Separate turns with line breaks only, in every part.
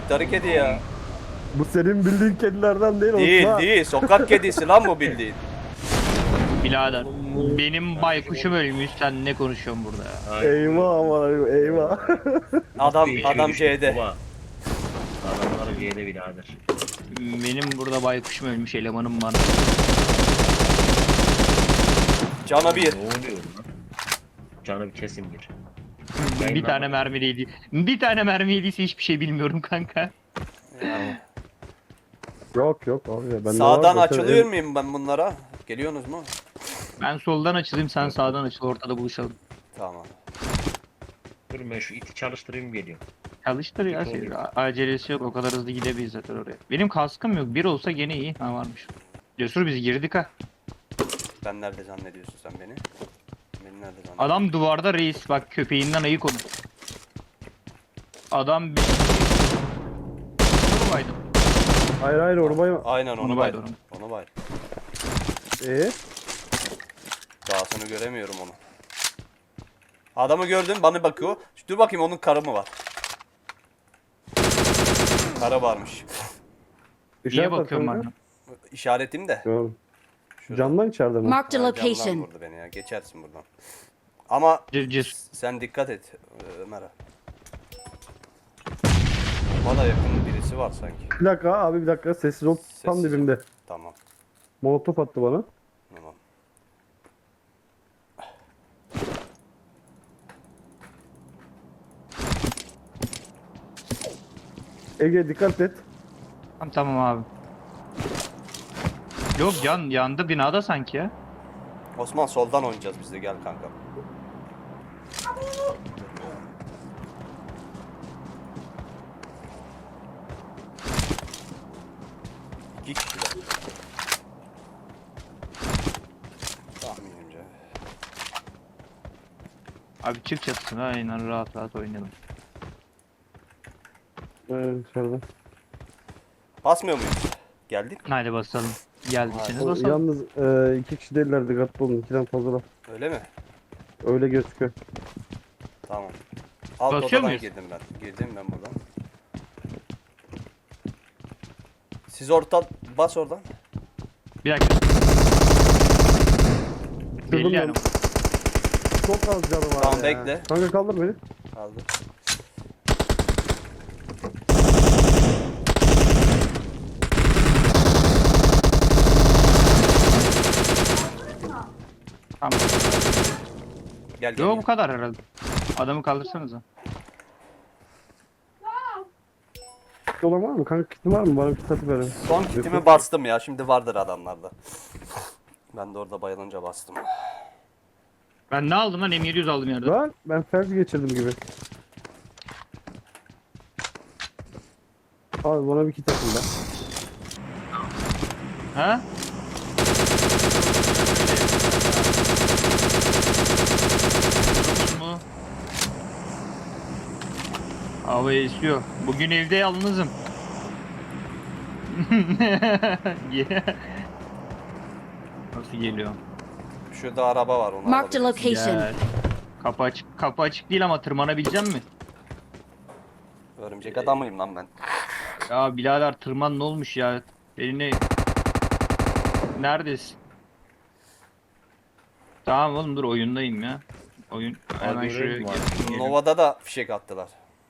Kayıtları kedi ya.
Bu senin bildiğin kedilerden değil
Değil
Osman.
değil. Sokak kedisi lan bu bildiğin.
Birader benim baykuşum ölmüş, sen ne konuşuyorsun burada ya?
Eyvah aman eyvah.
Adam C'de.
Baba. Adamlar C'de birader.
Benim burada baykuşum ölmüş, elemanım var.
Cana bir.
Ne oluyor lan? Canı bir kesim bir.
Bir tane mermi değdi. Bir tane mermi yediyse hiçbir şey bilmiyorum kanka.
Yok yok abi ya.
Sağdan açılıyor muyum ben bunlara? Geliyorsunuz mu?
Ben soldan açılayım, sen sağdan açıl, ortada buluşalım.
Tamam.
Dur ben şu iti çalıştırayım geliyor.
Çalıştır ya, şey, acelesi yok, o kadar hızlı gidemeyiz zaten oraya. Benim kaskım yok, bir olsa gene iyi. Ha varmış. Cesur biz girdik ha.
Ben nerede zannediyorsun sen beni? Beni nerede zannediyorsun?
Adam duvarda reis, bak köpeğinden ayık onu. Adam bir... Vurmaydım.
Hayır hayır oraya.
Aynen onu
Onu
baydım.
baydım.
Onu baydım.
Eee?
Dahasını göremiyorum onu. Adamı gördüm, bana bakıyor. Dur bakayım, onun karı mı var? Karı varmış.
Niye bakıyorum bana?
İşaretim de.
Şurada.
Şurada.
Camdan içeride mi?
Marked a
Ha, camdan
location.
vurdu beni ya. Geçersin buradan. Ama
Cesur.
sen dikkat et Ömer'e. Bana yakın birisi var sanki.
Bir dakika abi bir dakika sessiz ol. Tam
Sessiz.
dibimde.
Tamam.
Molotof attı bana.
Tamam.
Ege dikkat et.
Tamam abi. Yok yandı binada sanki ya.
Osman soldan oynayacağız biz de, gel kanka. İki kişiler. Tahminimce.
Abi çık çatısına, aynen rahat rahat oynayalım.
Evet içeride.
Basmıyor muyuz? Geldik.
Haydi basalım. Geldiyseniz
O,
basalım.
yalnız iki kişi değiller dikkatli olun. İkiden fazla.
Öyle mi?
Öyle gözüküyor.
Tamam. Alt
Basıyor
odadan
muyuz?
girdim ben. Girdim ben buradan. Siz orta bas oradan.
Bir dakika. Belli
Kırdım
yani.
Çok az canı var
Tamam,
ya.
bekle.
Kanka kaldır beni.
Aldı.
Tamam.
Gel gel.
Yok bu kadar herhalde. Adamı kaldırsanıza.
Dolan var mı? Kanka kitin var mı? Bana bir kit atıverin.
Son kitimi bastım ya. Şimdi vardır adamlarda. Ben de orada bayılınca bastım.
Ben ne aldım lan? M700 aldım yerde.
Lan ben felç geçirdim gibi. Abi bana bir kit atın da.
Ha? Mu? Hava esiyor. Bugün evde yalnızım. Nasıl geliyor?
Şurada araba var, onu
Marked a
alabiliriz.
location.
Gel. Kapı açık değil ama tırmanabileceğim mi?
Örümcek adamıyım lan ben.
Ya birader tırman ne olmuş ya? Beni neredesin? Tamam oğlum dur, oyundayım ya. Oyun hemen şuraya
görelim abi.
gel.
Nova'da da fişek attılar.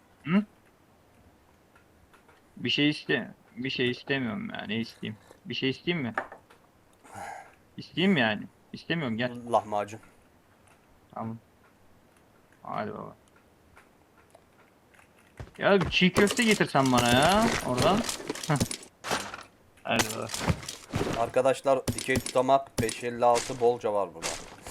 Bir şey istemiyorum ya. Ne isteyeyim? Bir şey isteyeyim mi? İsteyeyim yani. İstemiyorum, gel.
Lahmacun.
Tamam. Hadi baba. Ya bir çiğ köfte getirsen bana ya oradan. Hadi baba.
Arkadaşlar dikey tutamak 556 bolca var burada.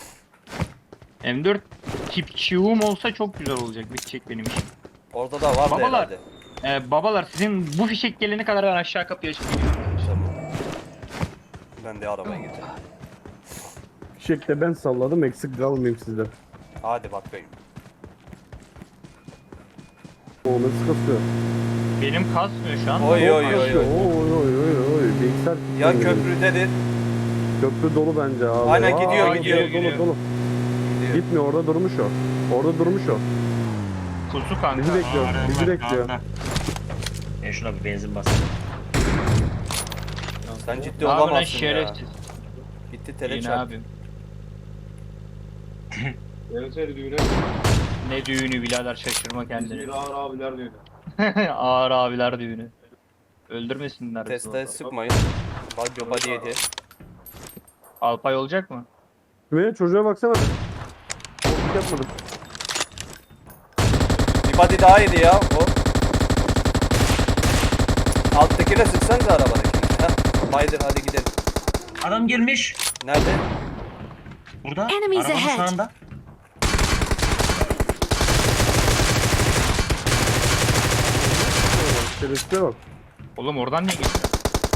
M4 tip çiğum olsa çok güzel olacak, bitecek benim işim.
Orada da var
Babalar.
herhalde.
Babalar sizin bu fişek gelene kadar ben aşağı kapıyı açıp geliyorum.
Tamam. Ben de arabaya getirdim.
Fişekte ben salladım eksik kalmayayım sizden.
Hadi bakayım.
O nasıl kasıyor?
Benim kasmıyor şu an.
Oy, oy, oy.
Kasıyor. Oy oy oy oy. Bilgisayar
Ya
kilitlendi.
köprüdedir.
Köprü dolu bence abi.
Aynen, gidiyor,
Aa,
gidiyor,
dolu,
gidiyor.
Dolu.
Gidiyor.
Gitmiyor, orada durmuş o. Orada durmuş o.
Kuzu kanka.
Bizi bekliyor. Bizi bekliyor.
şuna bir benzin basayım.
Sen ciddi
Ne yapıyorsun lan
olamazsın ya.
şerefsiz?
Gitti tele
İyi ne
çarptı.
yapayım?
Gelseydi düğüne.
Ne düğünü birader şaşırma kendini.
İzmir ağır abiler düğünü.
Ağır abiler düğünü. Öldürmesinler bizi
Teste
orada.
sıkmayın. Body yedi.
Alpay olacak mı?
Ve çocuğa baksana. Korkut yapmadım.
Bir body daha yedi ya o. Alttakine sıksanıza arabadakine. Heh. Baydır hadi gidelim.
Adam gelmiş.
Nerede?
Burada.
Enemies
Arabanın
ahead.
sağında.
Şerefsize bak.
Oğlum oradan niye geçti?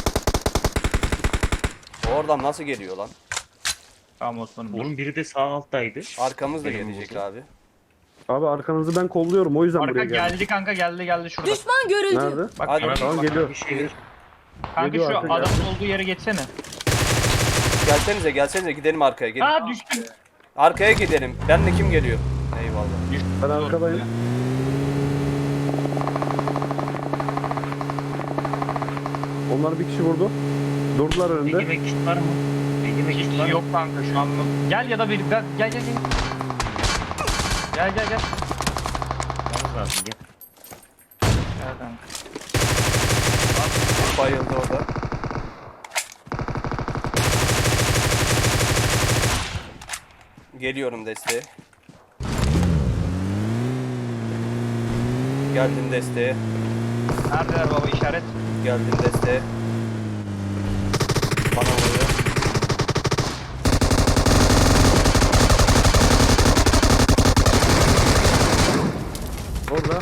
O oradan nasıl geliyor lan?
Tamam Osman'ım. dur.
Oğlum biri de sağ alttaydı.
Arkamız da
Benim
gelecek
oldu.
abi.
Abi arkanızı ben kolluyorum o yüzden
Arka
buraya geldim.
geldi kanka geldi şurada.
Düşman görüldü.
Nerede?
Bak
Hadi.
bak,
Tamam
bak.
geliyor.
Bir şey ver.
Kanka
Geliyor
şu
arka,
adamın olduğu yere geçsene.
Gelsenize gidelim arkaya gelin.
Aa düştüm.
Arkaya gidelim. Benle kim geliyor? Eyvallah.
Ben arkadayım. Onlar bir kişi vurdu. Durdular önünde.
Yemek kit var mı? Yemek kit var
Hiç
mı?
yok kanka şu an. Gel ya da bir gel. Gel.
Yalnız lazım gel.
Gel kanka.
Bayıldı orada. Geliyorum desteğe. Geldim desteğe.
Neredeler baba işaret?
Geldim desteğe. Bana vuruyor.
Orada.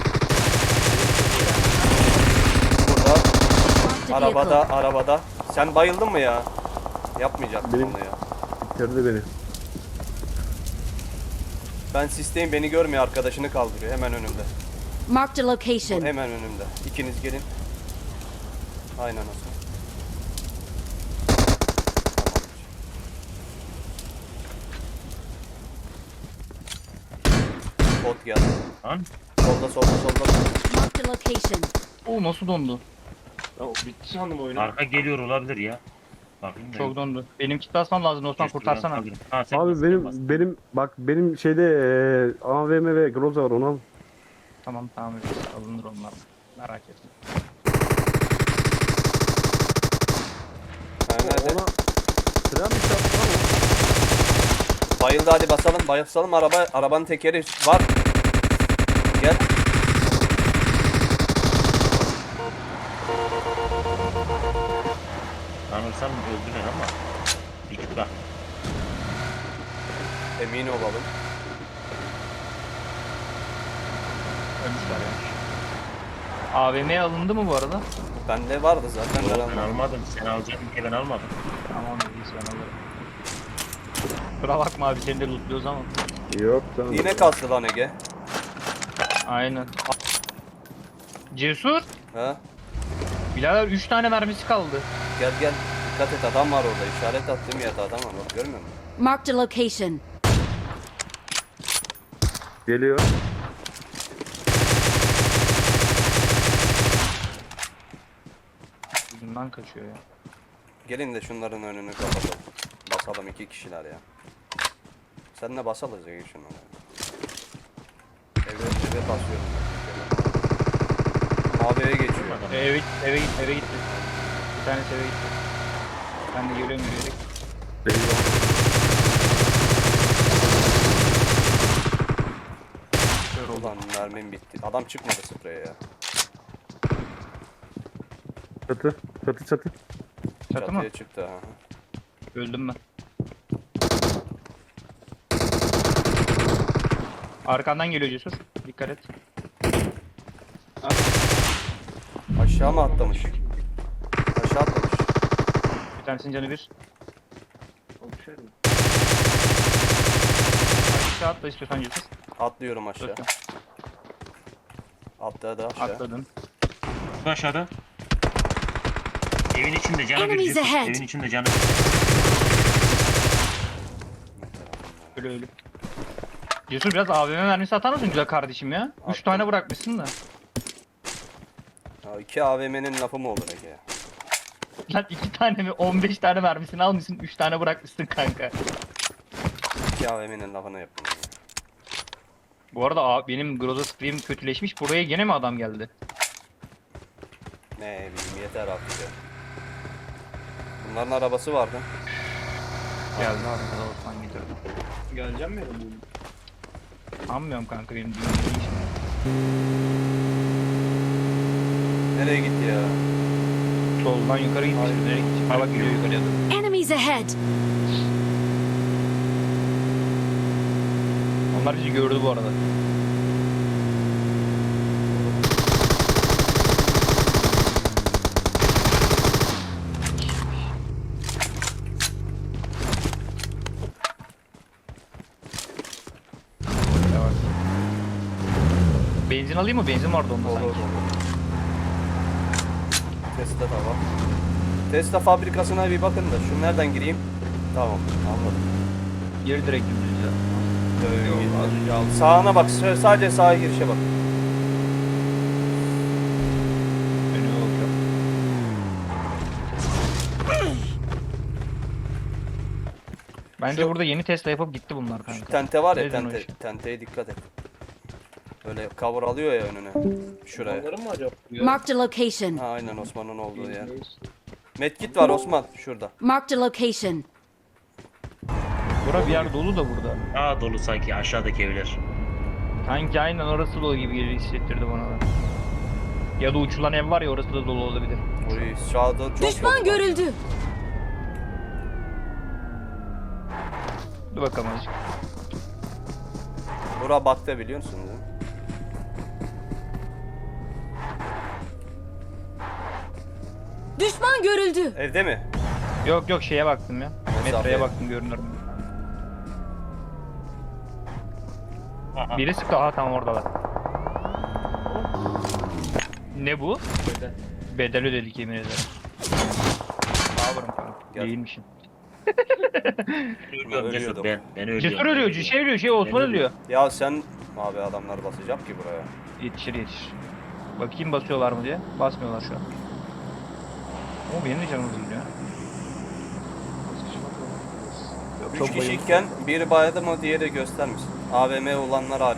Burada.
Marked a vehicle.
Arabada. Sen bayıldın mı ya? Yapmayacaktım
Benim-
onu ya.
Bitirdi beni.
Ben sisteyim beni görmüyor arkadaşını kaldırıyor hemen önümde.
Marked a location.
Hemen önümde. İkiniz gelin. Aynen Osman. Tamam. Bot geldi.
Lan
Solda.
Marked a location.
Oo nasıl dondu?
Ya bitti sandım oyunu.
arka geliyor olabilir ya. Bakayım da.
Çok dondu. Benim kit basmam lazım Osman
Keşke
kurtarsana.
ben kalırım. Ha, sen
Abi
bas,
benim
bas.
benim bak benim şeyde AVM ve Groza var onu al.
Tamam alınır onlar. Merak etme.
Ha, nerede?
Ona tren mi çarptı lan o?
Bayıldı hadi basalım arabanın tekeri var. Gel.
Tanırsam öldüler ama. Dikkat bak.
Emin olalım.
Ölmüşler ya. AVM alındı mı bu arada?
Bende vardı zaten ben
Ben
almadım.
almadım. Sen alacaktın ki ben almadım.
Tamam iyi sen alırım. Kusura bakma abi seni de lootluyoruz ama.
Yok canım.
Yine kastı lan Ege.
Aynen. Cesur.
Ha?
Birader 3 tane mermisi kaldı.
Gel. Dikkat et adam var orada. İşaret attığım yerde adam var. Bak görmüyor musun?
Marked a location.
Geliyor.
Yüzünden kaçıyor ya.
Gelin de şunların önünü kapatalım. Basalım 2 kişiler ya. Seninle basalım Ege şunları. Eve basıyorum. Mavi eve geçiyor.
Eve gitti. Bir tanesi eve gitti. Ben de geliyorum yürüyerek.
Eyvah.
Kör oldu.
Ulan mermim bitti. Adam çıkmadı spreye ya.
Çatı.
Çatı mı?
Çatıya çıktı ha.
Öldüm ben. Arkandan geliyor Cesur. Dikkat et.
Aşağı mı atlamış? Aşağı atlamış.
Bir tanesinin canı bir. Aşağı atla istiyorsan Cesur.
Atlıyorum aşağı.
Dörtte.
Atladı aşağı.
Atladın.
Aşağıda. Evin içinde canı bir.
Enemies
Yusuf.
ahead.
Evin içinde canı bir.
Ölü. Cesur biraz AVM mermisi atar mısın güzel kardeşim ya? 3 tane bırakmışsın da.
Ya 2 AVM'nin lafı mı olur Ege ya?
Lan 2 tane mi 15 tane mermisini almışsın 3 tane bırakmışsın kanka.
2 AVM'nin lafını yaptım. Ya.
Bu arada benim Groza Scream kötüleşmiş. Buraya gene mi adam geldi?
Ne bileyim yeter artık ya. Bunların arabası vardı.
Geldi abi. Osman getirdi.
Geleceğim mi bu?
Anlamıyorum kanka benim düğünüm değil şimdi.
Nereye gitti ya?
Soldan yukarı gitmiş. Nereye gitmiş? Ha bak gidiyor yukarıya doğru.
Enemies ahead!
Onlar bizi gördü bu arada. Yavaş. Benzin alayım mı? Benzin vardı onda
Olur
sanki.
olur. Tesla da var. Tesla fabrikasına bir bakın da. Şu nereden gireyim? Tamam anladım.
Geri direkt dümdüz ya.
Yok,
Az önce aldım.
Sağına bak. Sadece sağa girişe bak.
Önüme bakıyorum. Bence
Şu-
burada yeni Tesla yapıp gitti bunlar
Şu
kanka.
tente var ya
Neden o
tente.
iş?
Tenteye dikkat et. Böyle cover alıyor ya önüne. Şuraya.
Onların mı acaba? Ya.
Marked a location.
Ha, aynen Osman'ın olduğu yer. Medkit var Osman şurada.
Marked a location.
Bura bir yer dolu da burada.
Aa dolu sanki aşağıdaki evler.
Sanki aynen orası dolu gibi geliyor hissettirdi bana da. Ya da uçulan ev var ya orası da dolu olabilir.
Oy sağda çok
Düşman
dolu var.
görüldü.
Dur bakalım azıcık.
Bura bakta biliyor musun değil mi?
Düşman görüldü.
Evde mi?
Yok yok şeye baktım ya.
Mesafeye.
Metroya baktım görünür mü?
Aha.
Biri sıktı aha tam oradalar. Ne bu? Bedel ödedik yemin ederim. Power'ım kanka.
Gel.
Değilmişim.
Ölüyorum Cesur
Ölüyordum.
ben ölüyorum.
Cesur ölüyor, şey ölüyor, şey Osman
Ben
ölüyor.
Ya sen abi adamlar basacak ki buraya.
Yetişir yetişir. Bakayım basıyorlar mı diye. Basmıyorlar şu an. O benim de canım üzülüyor. Yok,
3
çok bayıldım.
kişiyken biri baydı mı diğeri göstermesin. AVM olanlar hariç.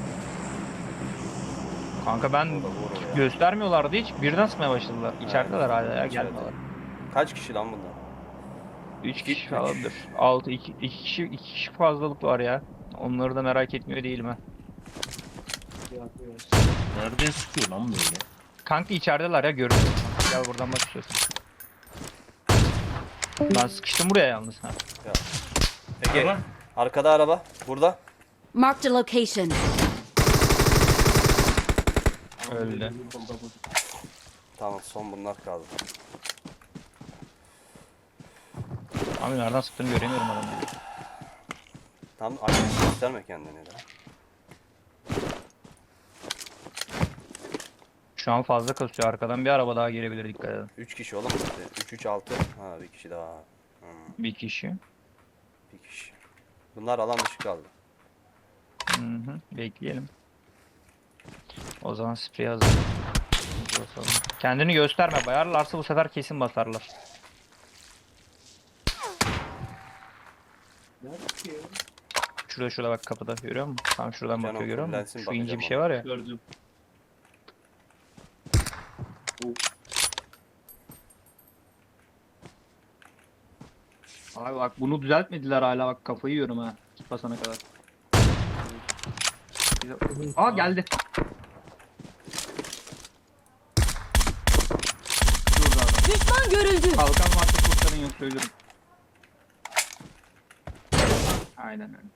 Kanka ben
O da vurur ya.
göstermiyorlardı hiç. Birden sıkmaya başladılar. İçerideler hala ya
İçeride.
gelmiyorlar.
Kaç kişi lan bunlar?
3 kişi
Üç.
falandır. 6 2 kişi fazlalık var ya. Onları da merak etmiyor değilim ha.
Nereden sıkıyor lan böyle?
Kanka içerideler ya görüyorum. Gel buradan bak istiyorsan. Ben sıkıştım buraya yalnız ha.
Ege
Araba.
arkada araba. Burada.
Marked a location.
Öldü.
Tamam son bunlar kaldı.
Abi nereden sıktığını göremiyorum adamı.
Tam açık gösterme kendini de.
Şu an fazla kasıyor arkadan bir araba daha gelebilir dikkat edin.
3 kişi oğlum işte. 3 3 6. Ha bir kişi daha.
Bir kişi.
Bir kişi. Bunlar alan dışı kaldı.
Hı hı. Bekleyelim. O zaman sprey hazır. Basalım. Kendini gösterme. Bayarlarsa bu sefer kesin basarlar. Şurada bak kapıda görüyor musun? Tam şuradan
Canım,
bakıyor görüyor musun?
fullensin,
Şu ince
bakacağım
bir şey
ona.
var ya.
Gördüm.
Abi bak bunu düzeltmediler hala bak kafayı yiyorum ha. Git basana kadar. Aa geldi. Şurada adam.
Düşman görüldü.
Kalkan varsa kurtarın yok söylüyorum. Aynen öyle.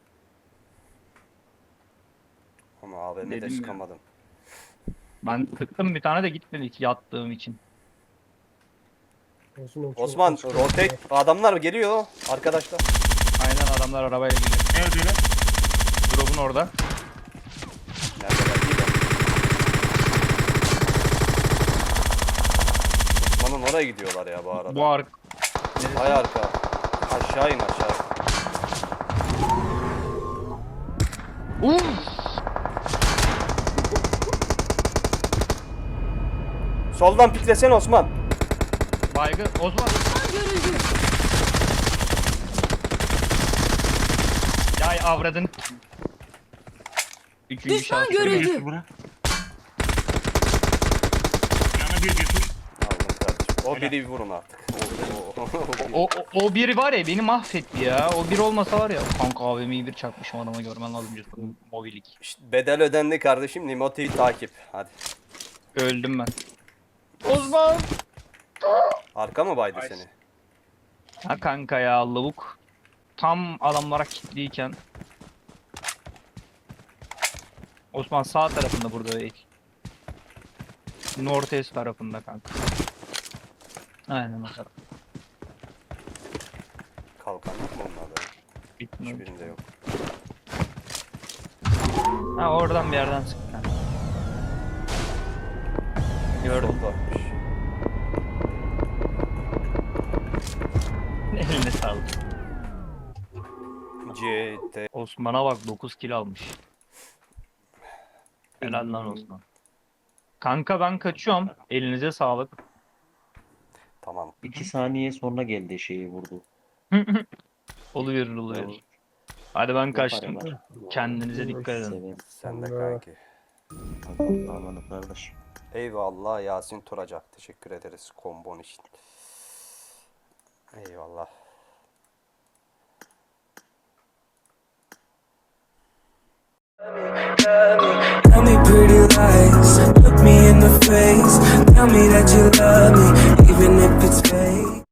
Ama AVM'de
Dedim ya.
çıkamadım.
Ben tıktım bir tane de gitmedi hiç yattığım için.
Osman rotate adamlar geliyor arkadaşlar.
Aynen adamlar arabayla geliyor.
Nerede lan?
Drop'un orada.
Neredeler değil de. Osman'ın oraya gidiyorlar ya bu arada.
Bu ark.
Hay arka. Aşağı in aşağı. Soldan piklesene Osman.
Baygın. Osman.
Düşman görüldü.
Ya avradın. Üçüncü
Düşman
şans.
görüldü.
Götür bura. Yana bir götür.
Aldım kardeşim. O biri vurun artık.
O biri var ya beni mahvetti ya. O bir olmasa var ya. Kanka AVM'yi bir çakmışım adama görmen lazım. Mobilik.
İşte bedel ödendi kardeşim. Nimo TV takip. Hadi.
Öldüm ben. Osman.
Arka mı baydı seni?
Ha kanka ya lavuk. Tam adamlara kilitliyken. Osman sağ tarafında burada değil. Northeast tarafında kanka. Aynen o taraf.
Kalkan yok mu onlarda?
Bitmiyor.
Hiçbirinde yok.
Ha oradan bir yerden sıktı. kanka. Gördüm.
Soldaymış.
Eline sağlık.
CT.
Osman'a bak 9 kill almış. Helal lan Osman. Kanka ben kaçıyorum. Elinize sağlık.
Tamam.
2 saniye sonra geldi şeyi vurdu.
Oluyor. Hadi ben kaçtım.
Yapar.
Kendinize dikkat edin.
Severim.
Sen de kanki.
Amanı kardeş.
Eyvallah Yasin Turacak. Teşekkür ederiz kombon için. Eyvallah.
Tell me pretty lies, look me in the face. Tell me that you love me, even if it's